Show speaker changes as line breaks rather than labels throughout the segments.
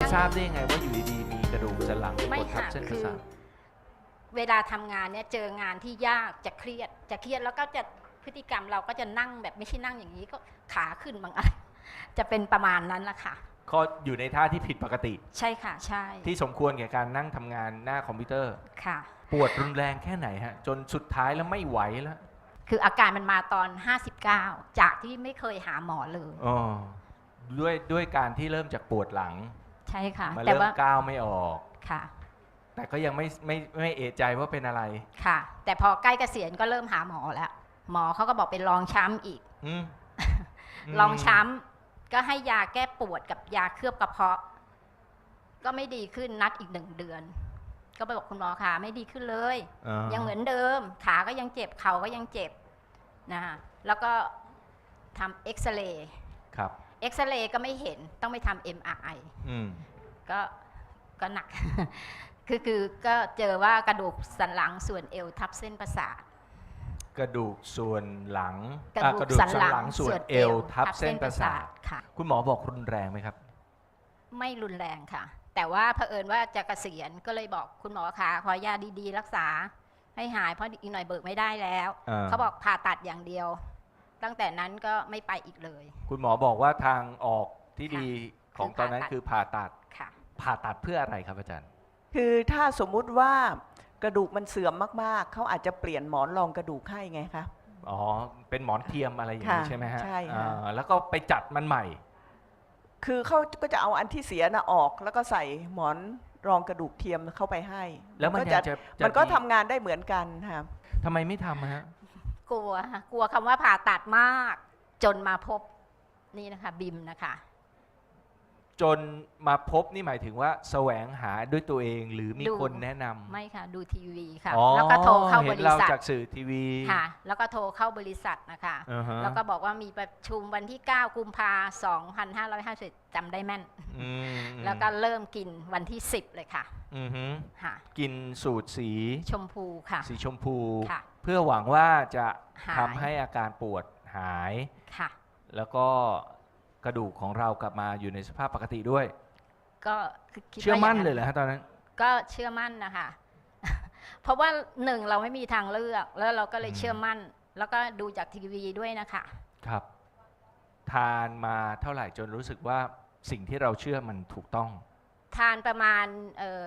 ทราบได้ยังไงว่าอยู่ดีๆมีกระดูกสันหลังไปกดทับเส้นประสาท
เวลาทำงานเนี่ยเจองานที่ยากจะเครียดแล้วก็จะพฤติกรรมเราก็จะนั่งแบบไม่ใช่นั่งอย่างนี้ก็ขาขึ้นบางอะไรจะเป็นประมาณนั้นแหละค่ะ
ก็อยู่ในท่าที่ผิดปกติ
ใช่ค่ะใช่
ที่สมควรแก่การนั่งทำงานหน้าคอมพิวเตอร์
ค่ะ
ปวดรุนแรงแค่ไหนฮะจนสุดท้ายแล้วไม่ไหวแล้ว
คืออาการมันมาตอน59จากที่ไม่เคยหาหมอเลย
อ๋อด้วยการที่เริ่มจากปวดหลัง
ใช่ค่ะ
มาเริ่มก้าวไม่ออก
ค่ะ
แต่ก็ยังไม่เอะใจว่าเป็นอะไร
ค่ะแต่พอใกล้เกษียณก็เริ่มหาหมอแล้วหมอเขาก็บอกเป็นรองช้ำอีกรองช้ำก็ให้ยาแก้ปวดกับยาเคลือบกระเพาะก็ไม่ดีขึ้นนัดอีก1 เดือนก็ไปบอกคุณหมอค่ะไม่ดีขึ้นเลยยังเหมือนเดิมขาก็ยังเจ็บเข่าก็ยังเจ็บนะคะแล้วก็ทำเอ็กซเรย์
ครับ
เอ็กซเรย์ก็ไม่เห็นต้องไปทำ MRI ก็หนัก คือก็เจอว่ากระดูกสันหลังส่วนเอวทับเส้นประสาท
กระดูกส่วนหลัง
กระดูกสันหลัง
ส่วนเอวทับเส้นประสาท
ค่ะ
คุณหมอบอกรุนแรงไหมครับ
ไม่รุนแรงค่ะแต่ว่าเผอิญว่าจะเกษียณก็เลยบอกคุณหมอคะขอยาดีๆรักษาให้หายเพราะอีกหน่อยเบิกไม่ได้แล้วเขาบอกผ่าตัดอย่างเดียวตั้งแต่นั้นก็ไม่ไปอีกเลย
คุณหมอบอกว่าทางออกที่ดีของตอนนั้นคือผ่าตัดผ่าตัดเพื่ออะไรครับอาจารย์
คือถ้าสมมุติว่ากระดูกมันเสื่อมมากๆเขาอาจจะเปลี่ยนหมอนรองกระดูกให้ไงคะ
อ๋อเป็นหมอนเทียมอะไรอย่างนี้ใช่ไหมฮะ
ใช่ค่ะ
แล้วก็ไปจัดมันใหม่
คือเขาก็จะเอาอันที่เสียน่ะออกแล้วก็ใส่หมอนรองกระดูกเทียมเข้าไปให้
แล้วมัน
ก็ทำงานได้เหมือนกันค่ะ
ทำไมไม่ทำฮะ
กลัวคำว่าผ่าตัดมากจนมาพบนี่นะคะบิมนะคะ
จนมาพบนี่หมายถึงว่าแสวงหาด้วยตัวเองหรือมีคนแนะนำ
ไม่ค่ะดูทีวีค่ะแล้วก็โทรเข้าบริษัท
จากสื่อทีวี
ค่ะแล้วก็โทรเข้าบริษัทนะคะแล้วก็บอกว่ามีประชุมวันที่9 กุมภาพันธ์ 2550จำได้แม่นแล้วก็เริ่มกินวันที่10เลยค่ะ
กินสูตรสี
ชมพูค่ะ
สีชมพูเพื่อหวังว่าจะทำให้อาการปวดหาย
ค่ะ
แล้วก็กระดูกของเรากลับมาอยู่ในสภาพปกติด้วย
ก็
เชื่อมั่นเลยเหรอฮะตอนนั้น
ก็เชื่อมั่นนะคะเพราะว่า1เราไม่มีทางเลือกแล้วเราก็เลยเชื่อมั่นแล้วก็ดูจากทีวีด้วยนะคะ
ครับทานมาเท่าไหร่จนรู้สึกว่าสิ่งที่เราเชื่อมันถูกต้อง
ทานประมาณ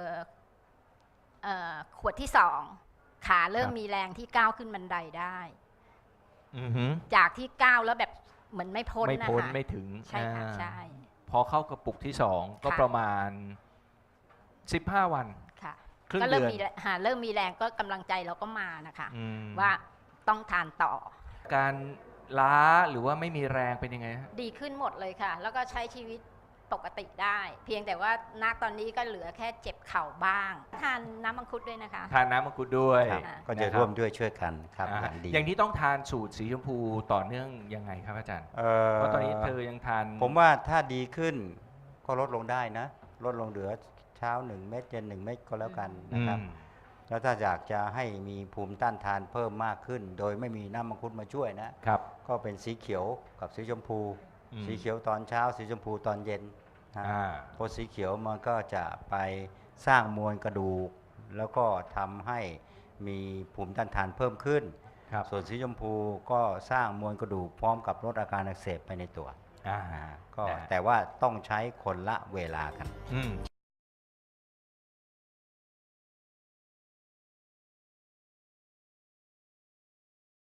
ขวดที่2ขาเริ่มมีแรงที่ก้าวขึ้นบันไดได้จากที่ก้าวแล้วแบบเหมือนไม่พ้นนะคะ
ไม่ถึง
ใช่ค่ะใช่
พอเข้ากระปุกที่2ก็ประมาณ15 วัน
ค่ะ
ก็เริ่ม
มีแรงก็กำลังใจเราก็มานะคะว่าต้องทานต่อ
การล้าหรือว่าไม่มีแรงเป็นยังไง
ดีขึ้นหมดเลยค่ะแล้วก็ใช้ชีวิตปกติได้เพียงแต่ว่าณตอนนี้ก็เหลือแค่เจ็บเข่าบ้างทานน้ำมังคุดด้วยนะคะ
ทานน้ำมังคุดด้วย
ก็จะร่วมด้วยช่วยกันครับ
อย่างนี้ต้องทานสูตรสีชมพูต่อเนื่องยังไงครับอาจารย์เพราะตอนนี้เธอยังทาน
ผมว่าถ้าดีขึ้นก็ลดลงได้นะลดลงเหลือเช้า1 เม็ดเย็น1 เม็ดก็แล้วกันนะครับแล้วถ้าอยากจะให้มีภูมิต้านทานเพิ่มมากขึ้นโดยไม่มีน้ำมังคุดมาช่วยนะครับก็เป็นสีเขียวกับสีชมพูสีเขียวตอนเช้าสีชมพูตอนเย็นเพราะสีเขียวมันก็จะไปสร้างมวลกระดูกแล้วก็ทำให้มีภูมิต้านทานเพิ่มขึ้นส่วนสีชมพูก็สร้างมวลกระดูกพร้อมกับลดอาการอักเสบไปในตัวก็แต่ว่าต้องใช้คนละเวลากัน